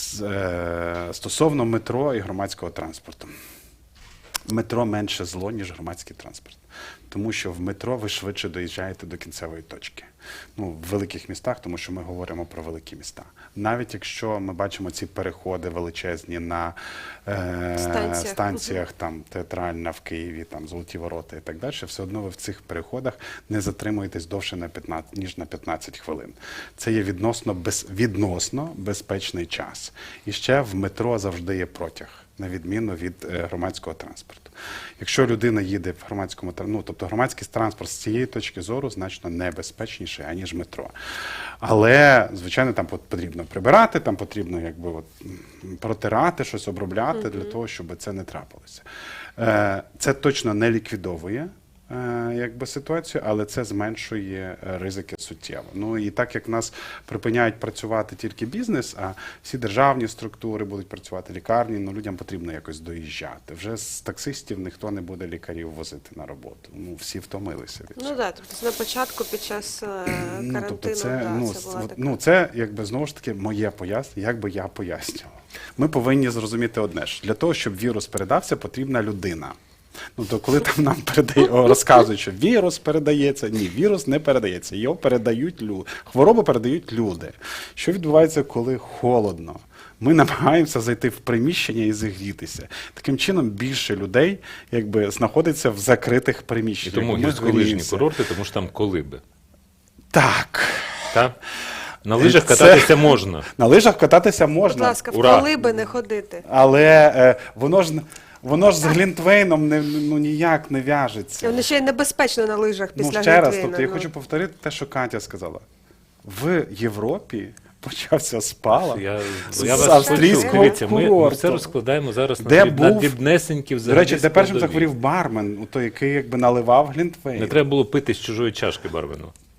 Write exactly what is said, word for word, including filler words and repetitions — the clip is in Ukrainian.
З, е, стосовно метро і громадського транспорту. Метро менше зло, ніж громадський транспорт. Тому що в метро ви швидше доїжджаєте до кінцевої точки. Ну, в великих містах, тому що ми говоримо про великі міста. Навіть якщо ми бачимо ці переходи величезні на е, станціях, станціях там, Театральна в Києві, там, Золоті Ворота і так далі, все одно ви в цих переходах не затримуєтесь довше, на п'ятнадцять, ніж на п'ятнадцять хвилин. Це є відносно, без, відносно безпечний час. І ще в метро завжди є протяг, на відміну від е, громадського транспорту. Якщо людина їде в громадському транспорті, ну, тобто громадський транспорт з цієї точки зору значно небезпечніший, аніж метро. Але, звичайно, там потрібно прибирати, там потрібно якби, от, протирати, щось обробляти mm-hmm. для того, щоб це не трапилося. Е, це точно не ліквідовує е, якби, ситуацію, але це зменшує ризики суттєво. Ну і так як в нас припиняють працювати тільки бізнес, а всі державні структури будуть працювати, лікарні, ну людям потрібно якось доїжджати. Вже з таксистів ніхто не буде лікарів возити на роботу. Ну всі втомилися від цього. Ну так, тобто на початку під час е, карантину, ну, тобто це, да, ну, це була така. Ну це якби знову ж таки моє пояснення, як би я пояснював. Ми повинні зрозуміти одне ж, для того, щоб вірус передався, потрібна людина. Ну, то коли там нам передає, розказують, що вірус передається, ні, вірус не передається, його передають люди, хворобу передають люди. Що відбувається, коли холодно? Ми намагаємося зайти в приміщення і зігрітися. Таким чином більше людей якби, знаходиться в закритих приміщеннях. І тому гірськолижні курорти, тому що там колиби. Так. Так? На лижах кататися Це... можна. На лижах кататися можна. Будь ласка, в Ура! колиби не ходити. Але е, воно ж... Воно ж з Глінтвейном не, ну, ніяк не в'яжеться. Воно ще й небезпечно на лижах після Ну, ще раз, Глінтвейна, тобто я ну. хочу повторити те, що Катя сказала. В Європі почався спалах Я, з я вас австрійського почув. Дивіться, ми, ми курорту. все розкладаємо зараз Де на, дріб- на був- дрібнесенькі До взагалі речі, де першим складові. захворів бармен, у той, який якби наливав Глінтвейн. Не треба було пити з чужої чашки барвину.